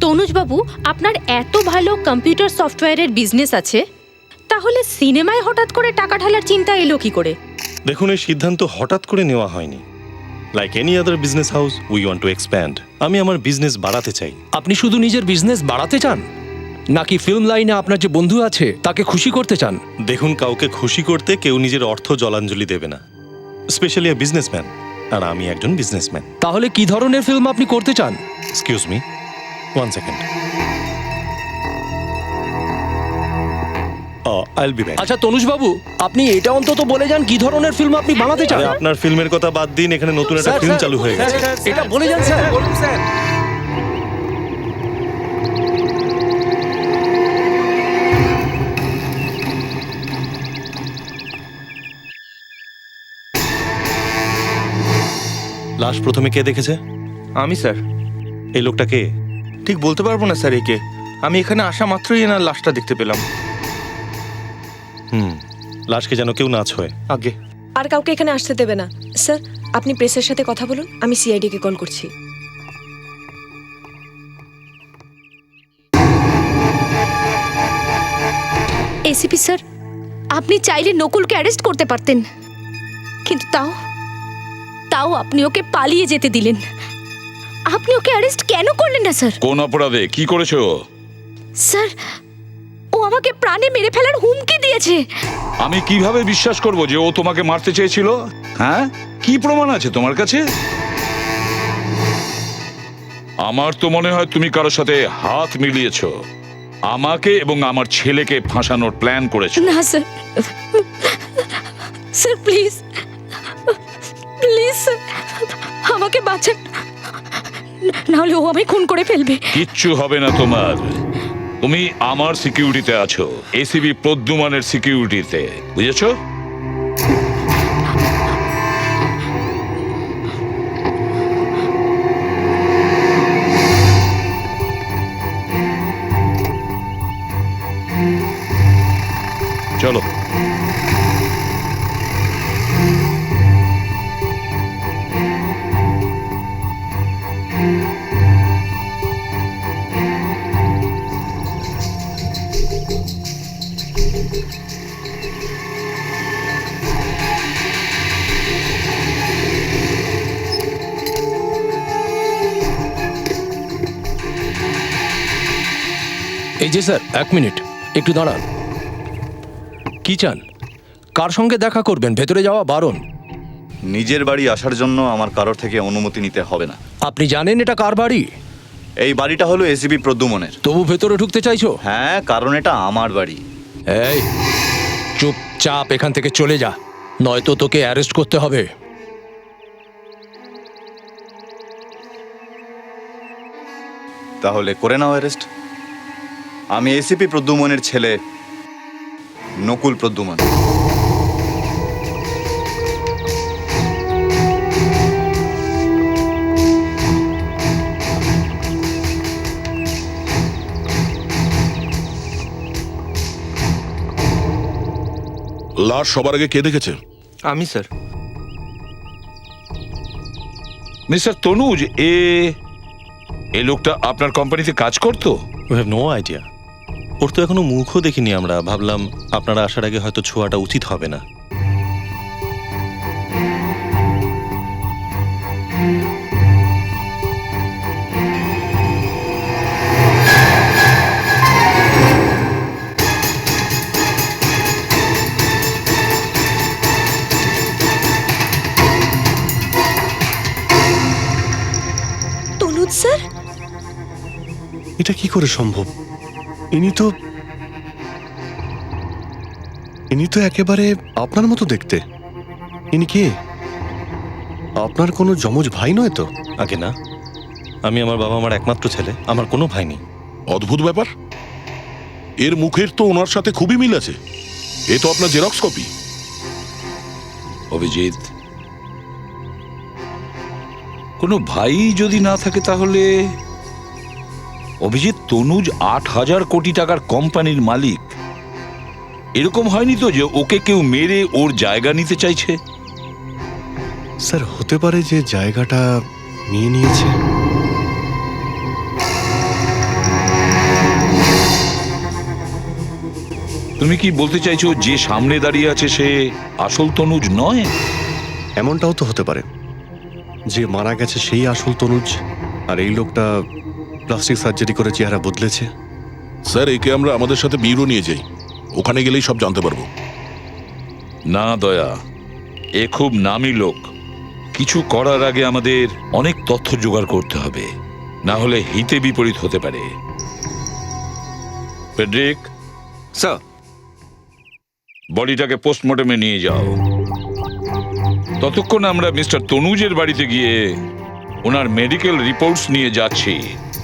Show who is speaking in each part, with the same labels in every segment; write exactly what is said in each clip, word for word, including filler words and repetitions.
Speaker 1: তনুজবাবু, আপনার এত ভালো কম্পিউটার সফটওয়্যারের বিজনেস আছে, তাহলে সিনেমায় হঠাৎ করে টাকা ঢালার চিন্তা এলো কি করে?
Speaker 2: দেখুন, এই সিদ্ধান্ত হঠাৎ করে নেওয়া হয়নি। Like any other business house, we want to expand. আমি আমার বিজনেস বাড়াতে চাই।
Speaker 3: আপনি শুধু নিজের বিজনেস বাড়াতে চান, নাকি ফিল্ম লাইনে আপনার যে বন্ধু আছে তাকে খুশি করতে চান?
Speaker 2: দেখুন, কাউকে খুশি করতে কেউ নিজের অর্থ জলাঞ্জলি দেবে না, স্পেশালি এ বিজনেসম্যান, আর আমি একজন বিজনেসম্যান।
Speaker 3: তাহলে কি ধরনের ফিল্ম আপনি করতে চান?
Speaker 2: Excuse me, one second. I'll be back.
Speaker 3: আচ্ছা তনুজবাবু, আপনি এটা অন্তত বলে যান কি ধরনের ফিল্ম আপনি বানাতে চান।
Speaker 2: আপনার ফিল্মের কথা বাদ দিন, এখানে নতুন একটা ফিল্ম চালু হয়ে গেছে।
Speaker 3: এটা বলে যান স্যার।
Speaker 4: বলুন স্যার।
Speaker 2: লাশ প্রথমে কে দেখেছে?
Speaker 4: আমি স্যার।
Speaker 2: এই লোকটা কে?
Speaker 4: ঠিক বলতে পারবো না স্যার একে। আমি এখানে আসা মাত্রই এনার লাশটা দেখতে পেলাম।
Speaker 2: হুম, লাশকে যেন কেউ না ছোঁয়।
Speaker 4: আগে
Speaker 5: আর কাউকে এখানে আসতে দেবে না। স্যার, আপনি প্রেসের সাথে কথা বলুন, আমি সিআইডি কে কল করছি।
Speaker 1: এসিপি স্যার, আপনি চাইলে নকুলকে অ্যারেস্ট করতে পারতেন, কিন্তু তাও তাও আপনি ওকে পালিয়ে যেতে দিলেন। আপনি ওকে অ্যারেস্ট কেন করলেন না স্যার?
Speaker 6: কোন অপরাধে কি করেছো?
Speaker 1: স্যার, ও আমাকে প্রাণে মেরে ফেলার হুমকি দিয়েছে।
Speaker 6: আমি কিভাবে বিশ্বাস করব যে ও তোমাকে মারতে চেয়েছিল? হ্যাঁ, কি প্রমাণ আছে তোমার কাছে? আমার তো মনে হয় তুমি কারোর সাথে হাত মিলিয়েছো, আমাকে এবং আমার ছেলেকে ফাঁসানোর প্ল্যান করেছো।
Speaker 1: না sir, sir please please sir, আমাকে বাঁচান, নাহলে ও আমায় খুন করে ফেলবে।
Speaker 6: কিচ্ছু হবে না তোমার। তুমি আমার সিকিউরিটিতে আছো, এসিবি প্রদ্যুমানের সিকিউরিটিতে, বুঝেছো? চলো।
Speaker 3: এই যে স্যার, এক মিনিট একটু দাঁড়ান। কি চান? কার সঙ্গে দেখা করবেন? ভেতরে যাওয়া বারণ।
Speaker 7: নিজের বাড়ি আসার জন্য আমার কারোর থেকে অনুমতি নিতে হবে না।
Speaker 3: আপনি জানেন এটা কার বাড়ি?
Speaker 7: এই বাড়িটা হলো এসিবি প্রদ্যুমনের।
Speaker 3: তবু ভেতরে ঢুকতে চাইছো?
Speaker 7: হ্যাঁ, কারণ এটা আমার বাড়ি।
Speaker 3: এই চুপচাপ এখান থেকে চলে যা, নয়তো তোকে অ্যারেস্ট করতে হবে।
Speaker 7: তাহলে করে নাও অ্যারেস্ট। আমি এসিপি প্রদ্যুমনের ছেলে নকুল প্রদ্যুমন।
Speaker 8: লাশ সবার আগে কে দেখেছে?
Speaker 4: আমি স্যার।
Speaker 6: মিস্টার তনুজ, এ এই লোকটা আপনার কোম্পানিতে কাজ করতো?
Speaker 2: We have no idea. ওর তো এখনো মুখও দেখিনি আমরা। ভাবলাম আপনারা আসার আগে হয়তো ছোঁয়াটা উচিত হবে না।
Speaker 5: তনুজ স্যার,
Speaker 9: এটা কি করে সম্ভব? ইনি তো ইনি তো একেবারে আপনার মতো দেখতে। ইনি কে? আপনার কোনো যমজ ভাই নয় তো?
Speaker 2: আগে না, আমি আমার বাবা মার একমাত্র ছেলে, আমার কোনো ভাই নেই।
Speaker 8: অদ্ভুত ব্যাপার। এর মুখের তো ওনার সাথে খুবই মিল আছে। এ তো আপনার জেরক্স কপি।
Speaker 6: অভিজিৎ, কোনো ভাই যদি না থাকে তাহলে অভিজিৎ, তনুজ আট হাজার কোটি টাকার কোম্পানির মালিক। এরকম হয়নি তো যে ওকে কেউ মেরে ওর জায়গা নিতে চাইছে?
Speaker 9: স্যার, হতে পারে যে জায়গাটা নিয়ে নিয়েছে।
Speaker 6: তুমি কি বলতে চাইছো যে সামনে দাঁড়িয়ে আছে সে আসল তনুজ নয়?
Speaker 9: এমনটাও তো হতে পারে যে মারা গেছে সেই আসল তনুজ, আর এই লোকটা প্লাস্টিক সার্জারি করে চেহারা বদলেছে।
Speaker 8: স্যার, একে আমরা আমাদের সাথে ব্যুরো নিয়ে যাই, ওখানে গেলেই সব জানতে পারবো।
Speaker 6: না দয়া, এ খুব নামী লোক। কিছু করার আগে আমাদের অনেক তথ্য জোগাড় করতে হবে, না হলে হিতে বিপরীত হতে পারে। ফেডরিক,
Speaker 4: স্যার,
Speaker 6: বডিটাকে পোস্টমর্টমে নিয়ে যাও। ততক্ষণ আমরা মিস্টার তনুজের বাড়িতে গিয়ে ওনার মেডিকেল রিপোর্টস নিয়ে যাচ্ছি।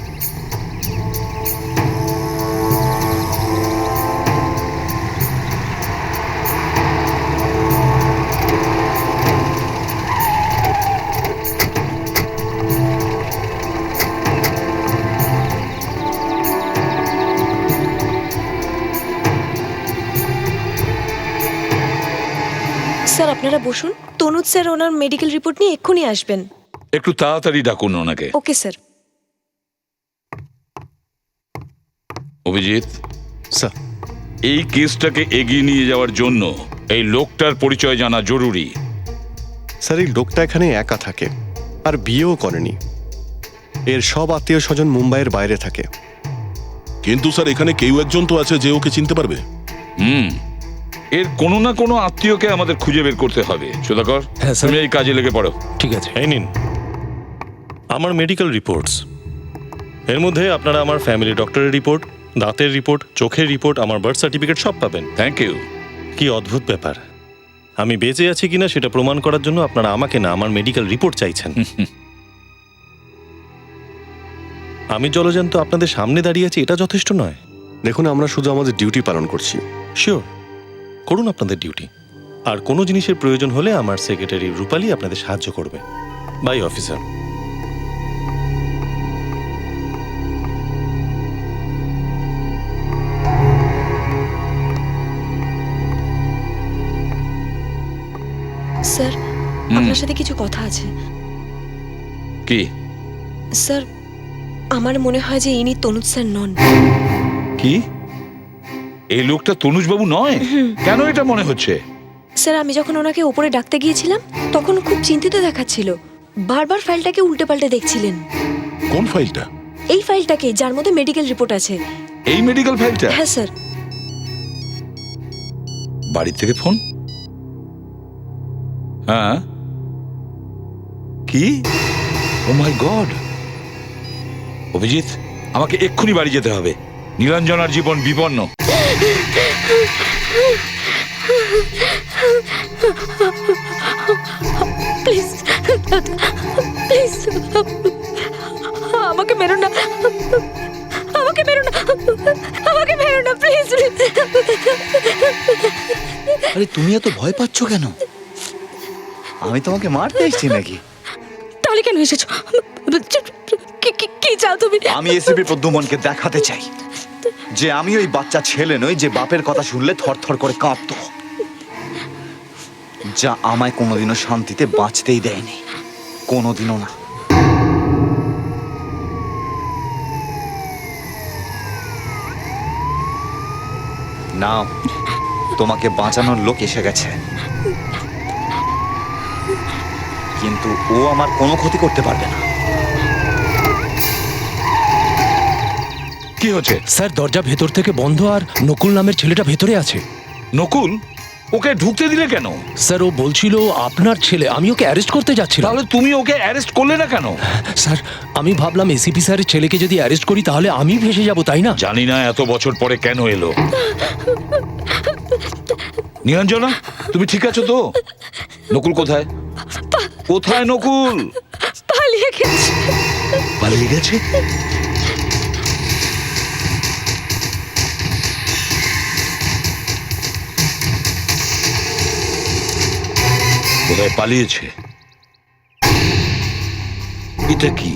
Speaker 5: স্যার আপনারা বসুন, তনুজ স্যার ওনার মেডিকেল রিপোর্ট নিয়ে এক্ষুনি আসবেন।
Speaker 6: একটু তাড়াতাড়ি ডাকুন ওনাকে।
Speaker 5: Okay sir.
Speaker 6: অভিজিৎ,
Speaker 9: স্যার,
Speaker 6: এই কেসটাকে এগিয়ে নিয়ে যাওয়ার জন্য এই লোকটার পরিচয় জানা জরুরি।
Speaker 9: স্যার এই লোকটা এখানে একা থাকে আর বিয়েও করেনি। এর সব আত্মীয় স্বজন মুম্বাইয়ের বাইরে থাকে।
Speaker 8: কিন্তু স্যার, এখানে কেউ একজন তো আছে যে ওকে চিনতে পারবে।
Speaker 6: হুম, এর কোনো না কোনো আত্মীয়কে আমাদের খুঁজে বের করতে হবে। সুধাকর,
Speaker 3: হ্যাঁ, স্যার।
Speaker 6: তুমি এই কাজে লেগে পড়ো।
Speaker 3: ঠিক আছে।
Speaker 2: এই নিন আমার মেডিকেল রিপোর্টস। এর মধ্যে আপনারা আমার ফ্যামিলি ডক্টরের রিপোর্ট, দাঁতের রিপোর্ট, চোখের রিপোর্ট, আমার বার্থ সার্টিফিকেট সব পাবেন।
Speaker 6: Thank you.
Speaker 2: কি অদ্ভুত ব্যাপার, আমি বেঁচে আছি কিনা সেটা প্রমাণ করার জন্য আপনারা আমাকে না আমার মেডিকেল রিপোর্ট চাইছেন। আমি জলজান্ত আপনাদের সামনে দাঁড়িয়ে আছি, এটা যথেষ্ট নয়।
Speaker 9: দেখুন, আমরা শুধু আমাদের ডিউটি পালন করছি।
Speaker 2: শিওর, করুন আপনাদের ডিউটি। আর কোনো জিনিসের প্রয়োজন হলে আমার সেক্রেটারি রূপালী আপনাদের সাহায্য করবে। By officer.
Speaker 5: স্যার আপনার সাথে কিছু কথা আছে।
Speaker 6: কি?
Speaker 5: স্যার আমার মনে হয় যে ইনি তনুজ স্যার নন।
Speaker 6: কি? এই লোকটা তনুজ বাবু নয়? কেন এটা মনে হচ্ছে?
Speaker 5: স্যার আমি যখন ওনাকে ওপরে ডাকতে গিয়েছিলাম তখন খুব চিন্তিত দেখাচ্ছিল, বারবার ফাইলটাকে উল্টে পাল্টে দেখছিলেন।
Speaker 8: কোন ফাইলটা?
Speaker 5: এই ফাইলটাকে, যার মধ্যে মেডিকেল রিপোর্ট আছে।
Speaker 6: এই মেডিকেল ফাইলটা?
Speaker 5: হ্যাঁ স্যার।
Speaker 6: বাড়ি থেকে ফোন? হ্যাঁ। কি? ও মাই গড! অভিজিৎ, আমাকে এক্ষুনি বাড়ি যেতে হবে। নীলাঞ্জনার জীবন বিপন্ন।
Speaker 1: প্লিজ প্লিজ আমাকে মেরো না, আমাকে মেরো না, আমাকে মেরো না প্লিজ।
Speaker 7: আরে তুমি এত ভয় পাচ্ছ কেন? আমি তোমাকে মারতে এসেছি নাকি?
Speaker 1: তাহলে কেন এসেছো? কি- কি- কি চাও তুমি?
Speaker 7: আমি এসিপি প্রদ্যুমনকে দেখাতে চাই যে আমি ওই বাচ্চা ছেলে নই যে বাপের কথা শুনলে থরথর করে কাঁপতো, যা আমায় কোনোদিনও শান্তিতে বাঁচতেই দেয়নি, কোনোদিনও না। নাও, তোমাকে বাঁচানোর লোক এসে গেছে, কিন্তু ও আমার কোনো ক্ষতি করতে পারবে না।
Speaker 6: কি হচ্ছে?
Speaker 3: স্যার দরজা ভেতর থেকে বন্ধ আর নকুল নামের ছেলেটা ভেতরে আছে।
Speaker 6: নকুল? ওকে ঢুকতে দিলে কেন?
Speaker 3: স্যার ও বলছিল আপনার ছেলে, আমি ওকে অ্যারেস্ট করতে যাচ্ছিলাম।
Speaker 6: তাহলে তুমি ওকে অ্যারেস্ট করলে না কেন?
Speaker 3: স্যার আমি ভাবলাম এসিপি স্যারের ছেলেকে যদি অ্যারেস্ট করি তাহলে আমি ভেসে যাব, তাই না?
Speaker 6: জানি না এত বছর পরে কেন এলো। নীলাঞ্জনা, তুমি ঠিক আছো তো? নকুল কোথায়? কোথায় নকুল?
Speaker 1: পালিয়ে গেছে।
Speaker 6: পালিয়ে গেছে? কোথায় পালিয়েছে? এটা কি?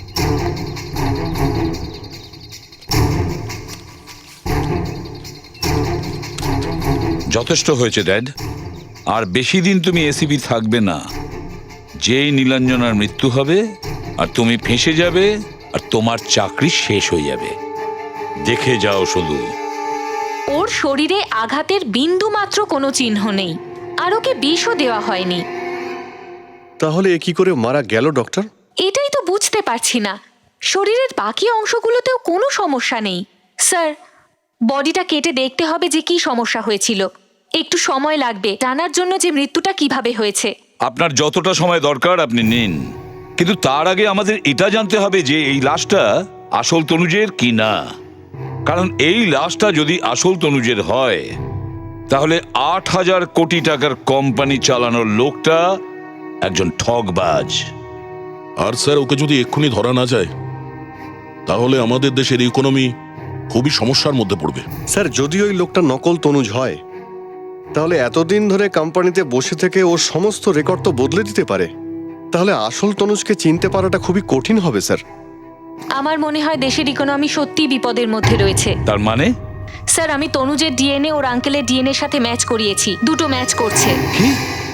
Speaker 6: যথেষ্ট হয়েছে ড্যাড, আর বেশি দিন তুমি এসিপি থাকবে না। যেই নীলাঞ্জনার মৃত্যু হবে আর তুমি ফেঁসে যাবে আর তোমার চাকরি শেষ হয়ে যাবে। দেখে যাও শুধু
Speaker 10: ওর শরীরে আঘাতের বিন্দু মাত্র কোনো চিহ্ন নেই, আর ওকে বিষও দেওয়া হয়নি।
Speaker 9: তাহলে এ কি করে মারা গেল ডক্টর?
Speaker 10: এটাই তো বুঝতে পারছি না। শরীরের বাকি অংশগুলোতেও কোনো সমস্যা নেই। স্যার, বডিটা কেটে দেখতে হবে যে কি সমস্যা হয়েছিল। একটু সময় লাগবে জানার জন্য যে মৃত্যুটা কিভাবে হয়েছে।
Speaker 6: আপনার যতটা সময় দরকার আপনি নিন, কিন্তু তার আগে আমাদের এটা জানতে হবে যে এই লাশটা আসল তনুজের কি না। কারণ এই লাশটা যদি আসল তনুজের হয়, তাহলে আট হাজার কোটি টাকার কোম্পানি চালানোর লোকটা একজন ঠগবাজ।
Speaker 8: আর স্যার, ওকে যদি এক্ষুনি ধরা না যায় তাহলে আমাদের দেশের ইকোনমি খুবই সমস্যার মধ্যে পড়বে।
Speaker 9: স্যার, যদি ওই লোকটা নকল তনুজ হয় তাহলে এতদিন ধরে কোম্পানিতে বসে থেকে ওর সমস্ত রেকর্ড তো বদলে দিতে পারে। তাহলে আসল তনুজকে চিনতে পারাটা খুবই কঠিন হবে স্যার।
Speaker 10: আমার মনে হয় দেশের ইকোনমি সত্যি বিপদের মধ্যে রয়েছে।
Speaker 6: তার মানে?
Speaker 10: স্যার, আমি তনুজের ডিএনএ ওর আঙ্কেলের ডিএনএ সাথে ম্যাচ করিয়েছি। দুটো ম্যাচ করছে।
Speaker 6: কি?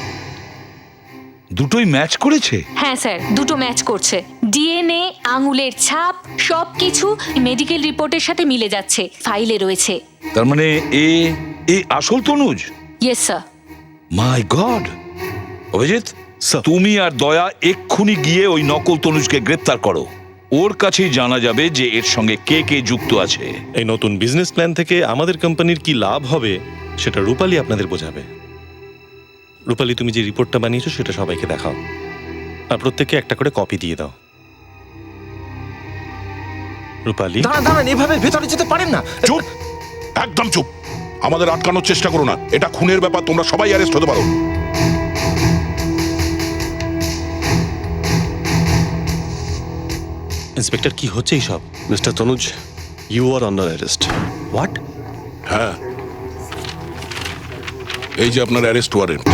Speaker 6: দুটোই ম্যাচ করেছে?
Speaker 10: হ্যাঁ স্যার, দুটো ম্যাচ করছে। ডিএনএ, আঙুলের ছাপ, সবকিছু মেডিকেল রিপোর্টের সাথে মিলে যাচ্ছে, ফাইলে রয়েছে।
Speaker 6: তার মানে এ এ আসল তনুজ?
Speaker 10: Yes sir.
Speaker 6: My god! Abhijit, তুমি আর দয়া এক্ষুনি গিয়ে ওই নকল তনুজকে গ্রেপ্তার করো। ওর কাছেই জানা যাবে যে এর সঙ্গে কে কে যুক্ত আছে।
Speaker 2: এই নতুন বিজনেস প্ল্যান থেকে আমাদের কোম্পানির কি লাভ হবে সেটা রূপালী আপনাদের বোঝাবে। রূপালী, তুমি যে রিপোর্টটা বানিয়েছো সেটা সবাইকে দেখাও, আর প্রত্যেককে একটা করে কপি দিয়ে দাও। রূপালী,
Speaker 4: দাঁড়ান দাঁড়ান, এভাবে ভেতরে যেতে পারেন না।
Speaker 8: চুপ, একদম চুপ। আমাদের আটকানোর চেষ্টা করো না, এটা খুনের ব্যাপার, তোমরা সবাই অ্যারেস্ট হতে পারো।
Speaker 2: ইন্সপেক্টর, কি হচ্ছে এইসব?
Speaker 9: Mister Tanuj, you are under arrest.
Speaker 2: What?
Speaker 8: হ্যাঁ, এই যে আপনার অ্যারেস্ট ওয়ারেন্ট।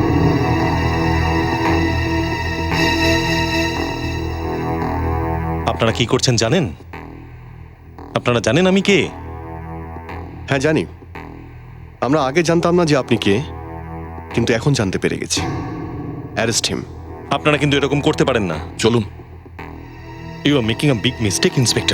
Speaker 2: আপনারা কি করছেন জানেন? আপনারা জানেন আমি কে?
Speaker 9: হ্যাঁ জানি। আমরা আগে জানতাম না যে আপনি কে, কিন্তু এখন জানতে পেরে গেছি। Arrest him.
Speaker 2: আপনারা কিন্তু এরকম করতে পারেন না।
Speaker 8: চলুন।
Speaker 2: You are making a big mistake, inspector.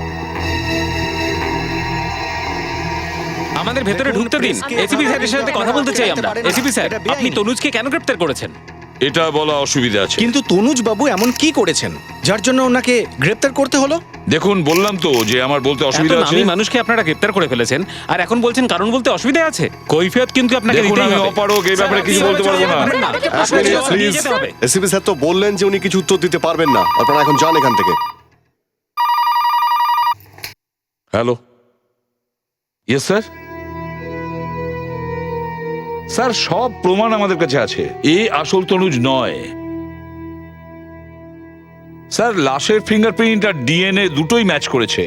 Speaker 11: আমাদের ভেতরে ঢুকতে দিন। এসিপি স্যারের সাথে কথা বলতে চাই আমরা। এসিপি স্যার, আপনি তনুজকে কেন গ্রেফতার করেছেন?
Speaker 6: এটা বলা অসুবিধা আছে।
Speaker 12: কিন্তু তনুজ বাবু এমন কি করেছেন যার জন্য ওনাকে গ্রেফতার করতে হলো?
Speaker 6: দেখুন, বললাম তো যে আমার বলতে অসুবিধা আছে।
Speaker 11: আমি মানুষকে আপনারা গ্রেফতার করে ফেলেছেন, আর এখন বলছেন কারণ বলতে অসুবিধা আছে। কৈফিয়ত কিন্তু আপনাকে
Speaker 6: দেখুন,
Speaker 11: দিতেই
Speaker 6: আমি
Speaker 11: হবে।
Speaker 6: অপারগ, এই ব্যাপারে কিছু বলতে পারবো না।
Speaker 9: প্লিজ, এসিপি স্যার তো বললেন যে উনি কিছু উত্তর দিতে পারবেন না। আপনারা এখন যান এখান থেকে।
Speaker 6: Hello, yes sir. স্যার, সব প্রমাণ আমাদের কাছে আছে। এ আসল তনুজ নয়। স্যার, লাশের ফিঙ্গারপ্রিন্ট আর ডিএনএ দুটোই ম্যাচ করেছে।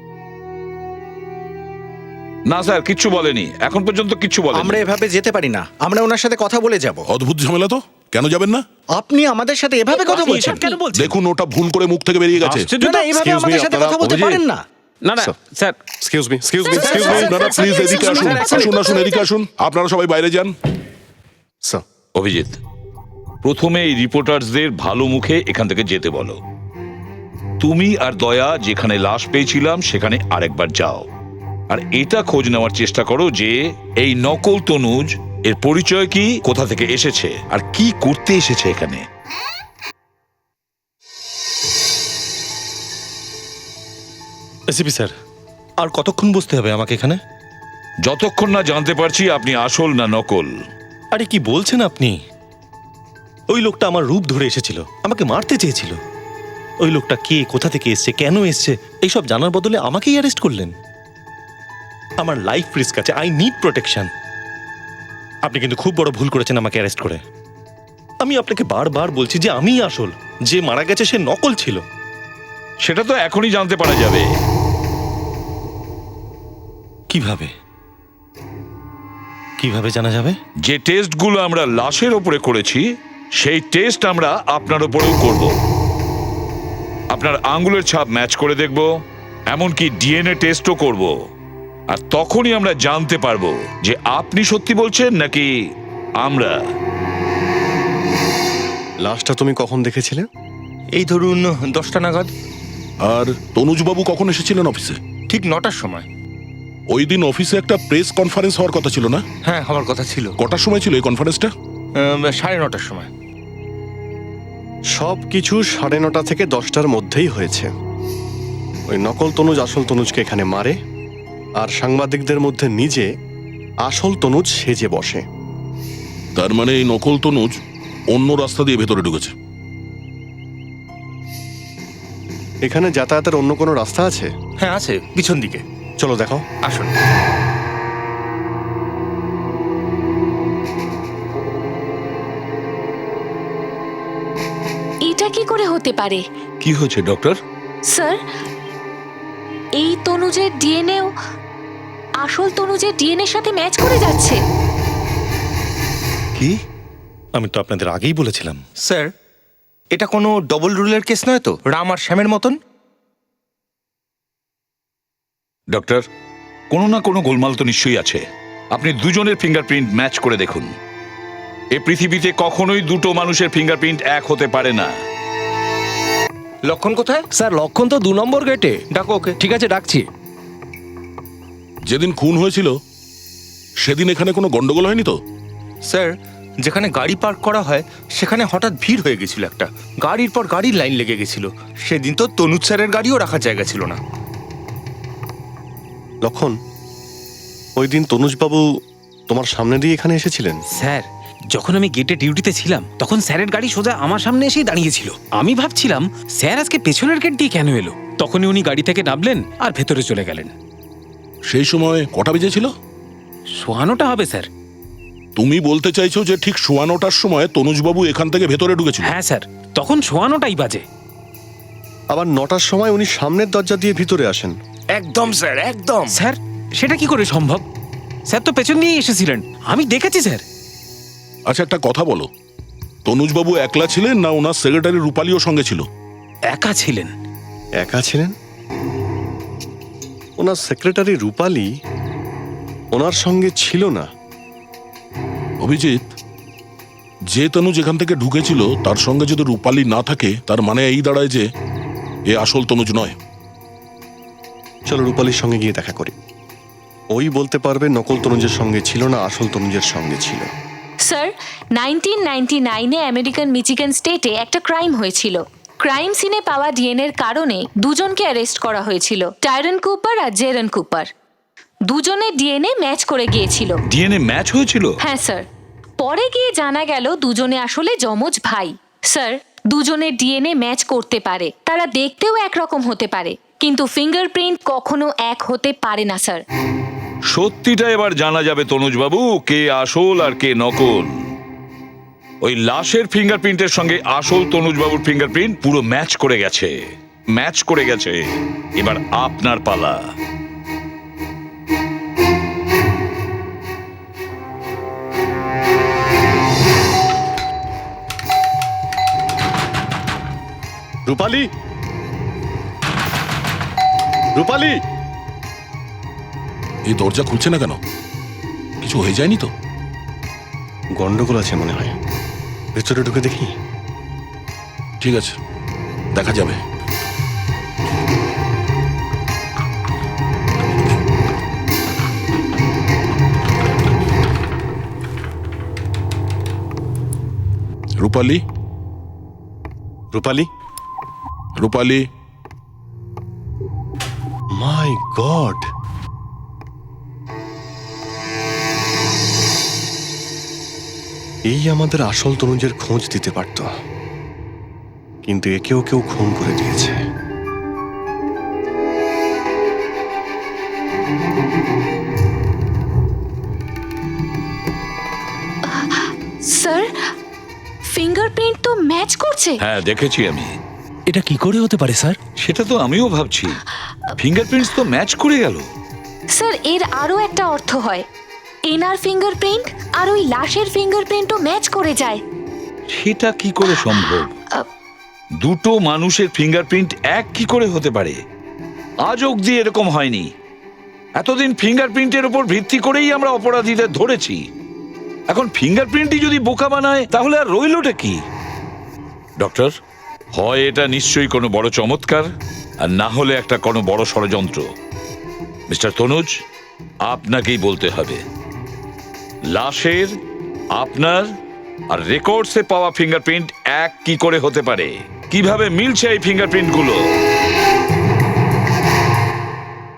Speaker 6: না স্যার, কিচ্ছু বলেনি, এখন পর্যন্ত কিচ্ছু বলেনি।
Speaker 12: আমরা এভাবে যেতে পারি না, আমরা ওনার সাথে কথা বলে যাব।
Speaker 8: অদ্ভুত ঝামেলা তো, কেন যাবেন না?
Speaker 12: আপনি আমাদের সাথে এভাবে কথা বলছেন
Speaker 11: কেন বলছেন?
Speaker 8: দেখুন, ওটা ভুল করে মুখ থেকে বেরিয়ে গেছে।
Speaker 12: না, না, এইভাবে
Speaker 9: Excuse me,
Speaker 12: আমাদের সাথে
Speaker 9: আপনারা
Speaker 12: কথা বলতে
Speaker 9: অভিজিৎ।
Speaker 12: পারেন না।
Speaker 11: না না sir,
Speaker 9: excuse me, excuse me, excuse me.
Speaker 8: আপনারা প্লিজ এদিকে আসুন, আসুন আসুন এদিকে আসুন। আপনারা সবাই বাইরে যান।
Speaker 9: স্যার,
Speaker 6: অভিজিৎ, প্রথমে এই রিপোর্টার্সদের ভালো মুখে এখান থেকে যেতে বলো। তুমি আর দয়া যেখানে লাশ পেয়েছিলাম সেখানে আরেকবার যাও, আর এটা খোঁজ নেওয়ার চেষ্টা করো যে এই নকল তনুজ এর পরিচয় কি, কোথা থেকে এসেছে, আর কি করতে এসেছে এখানে।
Speaker 2: এসিপি স্যার, আর কতক্ষণ বসতে হবে আমাকে এখানে?
Speaker 6: যতক্ষণ না জানতে পারছি আপনি আসল না নকল।
Speaker 2: আরে কি বলছেন আপনি? ওই লোকটা আমার রূপ ধরে এসেছিল, আমাকে মারতে চেয়েছিল। ওই লোকটা কে, কোথা থেকে এসছে, কেন এসছে, এইসব জানার বদলে আমাকেই অ্যারেস্ট করলেন। আমার লাইফ রিস্ক আছে, আই নিড প্রোটেকশন। আপনি কিন্তু খুব বড় ভুল করেছেন আমাকে অ্যারেস্ট করে। আমি আপনাকে বারবার বলছি যে আমি আসল, যে মারা গেছে সে নকল ছিল।
Speaker 6: সেটা তো এখনই জানতে পারা যাবে।
Speaker 2: কিভাবে কিভাবে জানা যাবে?
Speaker 6: যে টেস্টগুলো আমরা লাশের ওপরে করেছি সেই টেস্ট আমরা আপনার ওপরেও করব। আপনার আঙ্গুলের ছাপ ম্যাচ করে দেখব, এমনকি ডিএনএ টেস্টও করব। আর তখনই আমরা জানতে পারবো যে আপনি সত্যি বলছেন নাকি আমরা।
Speaker 9: লাশটা তুমি কখন দেখেছিলে?
Speaker 4: এই ধরুন দশটা নাগাদ।
Speaker 8: আর তনুজবাবু কখন এসেছিলেন অফিসে?
Speaker 4: ঠিক নটার সময়।
Speaker 8: ওই দিন অফিসে একটা প্রেস কনফারেন্স হওয়ার কথা ছিল না?
Speaker 4: হ্যাঁ হওয়ার কথা ছিল।
Speaker 8: কটার সময় ছিল এই কনফারেন্সটা?
Speaker 4: আহ, সাড়ে নটার সময়।
Speaker 9: সব কিছু সাড়ে নটা থেকে দশটার মধ্যেই হয়েছে। ওই নকল তনুজ আসল তনুজকে এখানে মারে, আর সাংবাদিকদের মধ্যে নিজে আসল তনুজ সেজে বসে।
Speaker 8: তার মানে এই নকল তনুজ অন্য রাস্তা দিয়ে ভেতরে ঢুকেছে।
Speaker 9: এখানে যাতায়াতের অন্য কোনো রাস্তা আছে?
Speaker 4: হ্যাঁ আছে, পিছন দিকে।
Speaker 9: চলো দেখো।
Speaker 4: আসুন।
Speaker 10: এটা কি করে হতে পারে?
Speaker 6: কি হয়েছে ডক্টর?
Speaker 10: স্যার, এই তনুজের ডিএনএও আসল তনুজের ডিএনএর সাথে ম্যাচ করে যাচ্ছে।
Speaker 2: কি? আমি তো আপনাদের আগেই বলেছিলাম।
Speaker 4: স্যার, এটা কোনো ডবল রুলের কেস নয় তো, রাম আর শ্যামের মতন?
Speaker 6: ডক্টর, কোনো না কোনো গোলমাল তো নিশ্চয়ই আছে। আপনি দুজনের ফিঙ্গারপ্রিন্ট ম্যাচ করে দেখুন। এ পৃথিবীতে কখনোই দুটো মানুষের ফিঙ্গারপ্রিন্ট এক হতে পারে না।
Speaker 4: লক্ষণ কোথায়?
Speaker 3: স্যার, লক্ষণ তো দু নম্বর গেটে।
Speaker 4: ডাকো ওকে।
Speaker 3: ঠিক আছে, ডাকছি।
Speaker 8: যেদিন খুন হয়েছিল সেদিন এখানে কোনো গন্ডগোল হয়নি তো?
Speaker 4: স্যার, যেখানে গাড়ি পার্ক করা হয় সেখানে হঠাৎ ভিড় হয়ে গেছিল একটা। গাড়ির পর গাড়ির লাইন লেগে গেছিল। সেদিন তো তনুজ স্যারের গাড়িও রাখার জায়গা ছিল না।
Speaker 9: লক্ষণ, ওই দিন তনুজবাবু তোমার সামনে দিয়ে এখানে এসেছিলেন?
Speaker 11: স্যার, যখন আমি গেটে ডিউটিতে ছিলাম তখন স্যারের গাড়ি সোজা আমার সামনে এসেই দাঁড়িয়েছিল। আমি ভাবছিলাম স্যার আজকে পেছনের গেট দিয়ে কেন এলো। তখনই উনি গাড়ি থেকে নামলেন আর ভেতরে চলে গেলেন।
Speaker 8: সেই সময় কটা বেজেছিল?
Speaker 11: শোয়ানোটা হবে স্যার।
Speaker 8: তুমি বলতে চাইছো যে ঠিক সোয়া নটার সময় তনুজবাবু এখান থেকে ভেতরে ঢুকেছিল?
Speaker 11: হ্যাঁ স্যার, তখন শোয়ানোটাই বাজে।
Speaker 9: আবার নটার সময় উনি সামনের দরজা দিয়ে ভিতরে আসেন।
Speaker 4: একদম স্যার, একদম।
Speaker 11: স্যার, সেটা কি করে সম্ভব? স্যার তো পেছন দিয়েই এসেছিলেন, আমি দেখেছি স্যার।
Speaker 8: আচ্ছা, একটা কথা বলো, তনুজবাবু একলা ছিলেন না ওনার সেক্রেটারি রূপালীও সঙ্গে ছিল?
Speaker 11: একা ছিলেন।
Speaker 9: একা ছিলেন? ওনার সেক্রেটারি রূপালী ওনার সঙ্গে ছিল না।
Speaker 8: অভিজিৎ, যে তনুজ এখান থেকে ঢুকেছিল তার সঙ্গে যদি রূপালী না থাকে তার মানে এই দাঁড়ায় যে এ আসল তনুজ নয়।
Speaker 9: চলো রূপালীর সঙ্গে গিয়ে দেখা করি। ওই বলতে পারবে নকল তনুজের সঙ্গে ছিল না আসল তনুজের সঙ্গে ছিল।
Speaker 10: স্যার, নাইনটিন নাইনটি নাইনে আমেরিকান মিচিগান স্টেটে একটা ক্রাইম হয়েছিল। ক্রাইম সিনে পাওয়া ডিএনএর কারণে দুজনকে অ্যারেস্ট করা হয়েছিল, টাইরন কুপার আর জেরন কুপার। দুজনের ডিএনএ ম্যাচ করে গিয়েছিল।
Speaker 6: ডিএনএ ম্যাচ হয়েছিল?
Speaker 10: হ্যাঁ স্যার। পরে গিয়ে জানা গেল দুজনে আসলে যমজ ভাই। স্যার, দুজনের ডিএনএ ম্যাচ করতে পারে, তারা দেখতেও একরকম হতে পারে, কিন্তু ফিঙ্গারপ্রিন্ট কখনো এক হতে পারে না স্যার।
Speaker 6: সত্যিটা এবার জানা যাবে তনুজবাবু, কে আসল আর কে নকল। ওই লাশের ফিঙ্গারপ্রিন্টের সঙ্গে আসল তনুজবাবুর ফিঙ্গারপ্রিন্ট পুরো ম্যাচ করে গেছে। ম্যাচ করে গেছে। এবার আপনার পালা।
Speaker 9: রূপালী, রূপালী!
Speaker 8: এই দরজা খুলছে না কেন? কিছু হয়ে যায়নি তো?
Speaker 9: গন্ডগোল আছে মনে হয়, ভেতরে ঢুকে দেখি।
Speaker 8: ঠিক আছে, দেখা যাবে। রূপালী,
Speaker 9: রূপালী,
Speaker 8: রূপালী!
Speaker 9: My god! এই আমাদের আসল তনুজের খোঁজ দিতে পারত, কিন্তু একেও কেউ খুন করে দিয়েছে।
Speaker 10: স্যার, ফিঙ্গারপ্রিন্ট তো ম্যাচ করছে।
Speaker 6: হ্যাঁ, দেখেছি আমি।
Speaker 3: এটা কি করে হতে পারে স্যার?
Speaker 6: সেটা তো আমিও ভাবছি। ফিঙ্গারপ্রিন্টস তো ম্যাচ করে গেল।
Speaker 10: স্যার, এর আরো একটা অর্থ হয়, এনার ফিঙ্গারপ্রিন্ট আর ওই লাশের ফিঙ্গারপ্রিন্টও ম্যাচ করে যায়।
Speaker 6: সেটা কি করে সম্ভব? দুটো মানুষের ফিঙ্গারপ্রিন্ট এক কি করে হতে পারে? আজ অবধি এরকম হয়নি। এতদিন ফিঙ্গারপ্রিন্টের উপর ভিত্তি করেই আমরা অপরাধীদের ধরেছি। এখন ফিঙ্গারপ্রিন্টই যদি বোকা বানায় তাহলে আর রইলটা কি? ডক্টর, হয় এটা নিশ্চয়ই কোনো বড় চমৎকার, আর না হলে একটা কোনো বড় ষড়যন্ত্র। মিস্টার তনুজ, আপনাকেই বলতে হবে লাশের আপনার আর রেকর্ডসে পাওয়া ফিঙ্গারপ্রিন্ট এক কি করে হতে পারে কিভাবে মিলছে এই ফিঙ্গারপ্রিন্টগুলো